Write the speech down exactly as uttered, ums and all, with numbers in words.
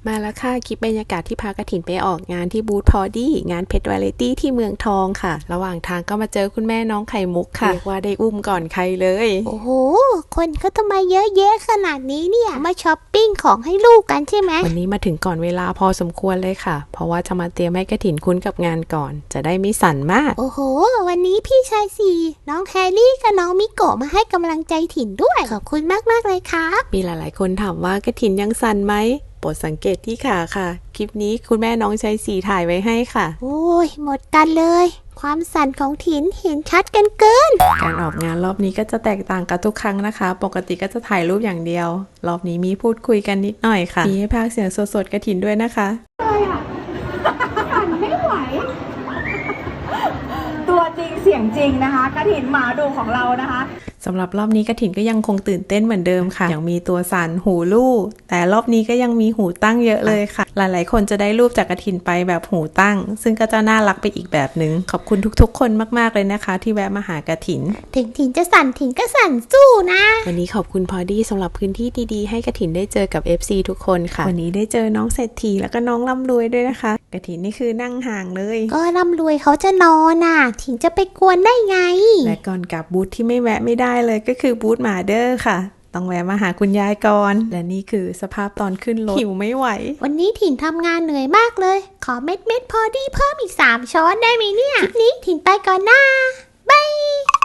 มาแล้วค่ะคลิปบรรยากาศที่พากฐินไปออกงานที่บูธพอดี้งานเพชรวาไรตี้ที่เมืองทองค่ะระหว่างทางก็มาเจอคุณแม่น้องไข่มุกค่ะเรียกว่าได้อุ้มก่อนใครเลยโอ้โหคนเขาทำไมเยอะแยะขนาดนี้เนี่ยมาช้อปปิ้งของให้ลูกกันใช่ไหมวันนี้มาถึงก่อนเวลาพอสมควรเลยค่ะเพราะว่าจะมาเตรียมให้กฐินคุ้นกับงานก่อนจะได้ไม่สั่นมากโอ้โหวันนี้พี่ชายสี่น้องแฮร์รี่กับน้องมิโกะมาให้กำลังใจถิ่นด้วยขอบคุณมากๆเลยครับมีหลายๆคนถามว่ากฐินยังสั่นไหมโปรดสังเกตที่ขาค่ะคลิปนี้คุณแม่น้องชายสี่ถ่ายไว้ให้ค่ะโอ้ยหมดกันเลยความสั่นของถิ่นเห็นชัดกันเกินการออกงานรอบนี้ก็จะแตกต่างกับทุกครั้งนะคะปกติก็จะถ่ายรูปอย่างเดียวรอบนี้มีพูดคุยกันนิดหน่อยค่ะมีให้พากย์เสียงสดๆกฐินด้วยนะคะสั่นไม่ไหวตัวจริงเสียงจริงนะคะกฐินหมาดูของเรานะคะสำหรับรอบนี้กฐินก็ยังคงตื่นเต้นเหมือนเดิมค่ะยังมีตัวสั่นหูลู่แต่รอบนี้ก็ยังมีหูตั้งเยอะเลยค่ะหลายๆคนจะได้รูปจากกฐินไปแบบหูตั้งซึ่งก็จะน่ารักไปอีกแบบนึงขอบคุณทุกๆคนมากๆเลยนะคะที่แวะมาหากฐินถึงถิ่นจะสั่นถิ่นก็สั่นสู้นะวันนี้ขอบคุณพอดี้สำหรับพื้นที่ดีๆให้กฐินได้เจอกับ เอฟ ซี ทุกคนค่ะวันนี้ได้เจอน้องเศรษฐีแล้วก็น้องร่ำรวยด้วยนะคะกฐินนี่คือนั่งห่างเลยก็ร่ำรวยเขาจะนอนน่ะถิ่นจะไปกวนได้ไงและก่อนกลับบูธที่ไม่แวะไม่ได้เลยก็คือบูธหมาเดอร์ค่ะต้องแวะมาหาคุณยายก่อนและนี่คือสภาพตอนขึ้นรถหิวไม่ไหววันนี้ถิ่นทำงานเหนื่อยมากเลยขอเม็ดเม็ดพอดีเพิ่มอีกสามช้อนได้ไหมเนี่ยคลิปนี้ถิ่นไปก่อนนะบาย